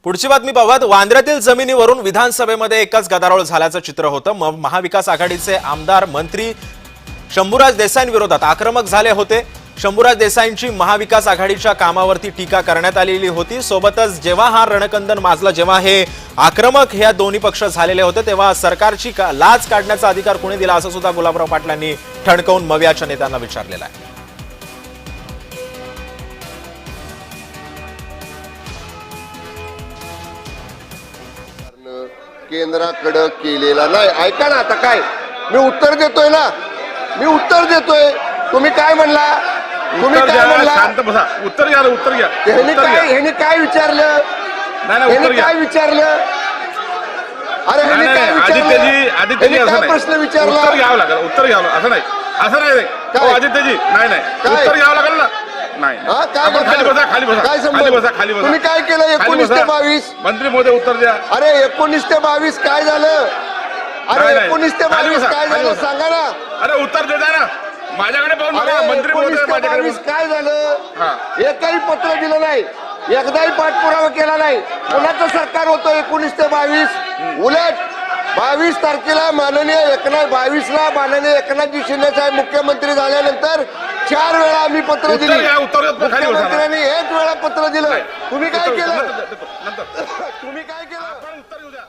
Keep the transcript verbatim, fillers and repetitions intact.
पुढची बातमी पाहूयात। वांद्र्यातील जमिनीवरून विधानसभेमध्ये एकच गदारोळ झाल्याचं चित्र होतं। महाविकास आघाडीचे आमदार मंत्री शंभूराज देसाईंविरोधात आक्रमक झाले होते। शंभूराज देसाईंची महाविकास आघाडीच्या कामावरती टीका करण्यात आलेली होती। सोबतच जेव्हा हा रणकंदन माजला, जेव्हा हे आक्रमक ह्या दोन्ही पक्ष झालेले होते, तेव्हा सरकारची लाज काढण्याचा अधिकार कोणी दिला असं सुद्धा गुलाबराव पाटलांनी ठणकावून मवियाच्या नेत्यांना विचारलेलं आहे। केंद्राकडे केलेला नाही। ऐका ना, आता काय मी उत्तर देतोय ना, मी उत्तर देतोय। तुम्ही काय म्हणला? तुम्ही काय म्हणला? शांत बसा, उत्तर घ्या, उत्तर घ्या। ह्याने काय ह्याने काय विचारलं? नाही नाही, उत्तर घ्या। काय विचारलं? अरे ह्याने काय विचारलं? आदित्यजी, आदित्यजी असं नाही, प्रश्न विचारला? उत्तर घ्यावं लागेल, उत्तर घ्यावं असं नाही, असं नाही। हो आदित्यजी, नाही नाही, उत्तर घ्यावं लागेल ना। नाही आपण खाली बसा, खाली बसा, खाली बसा, खाली बसा। तुम्ही काय केलं? एकोणीस ते बावीस मंत्री महोदय उत्तर द्या। अरे एकोणीस ते बावीस काय झालं? अरे एकोणीस ते बावीस काय झालं सांगा ना। अरे उत्तर देता ना, माझ्याकडे पाहून बघा। मंत्री महोदय माझ्याकडे काय झालं? एकही पत्र दिलं नाही, एकदाही पाठपुरावा केला नाही। कोणाचं सरकार होतं एकोणीस ते बावीस? उलट बावीस तारखेला माननीय एकनाथ बावीस ला माननीय एकनाथजी शिंदे साहेब मुख्यमंत्री झाल्यानंतर चार वेळा आम्ही पत्र दिली, मुख्यमंत्र्यांनी एक वेळा पत्र दिलं। तुम्ही काय केलं? तुम्ही काय केलं?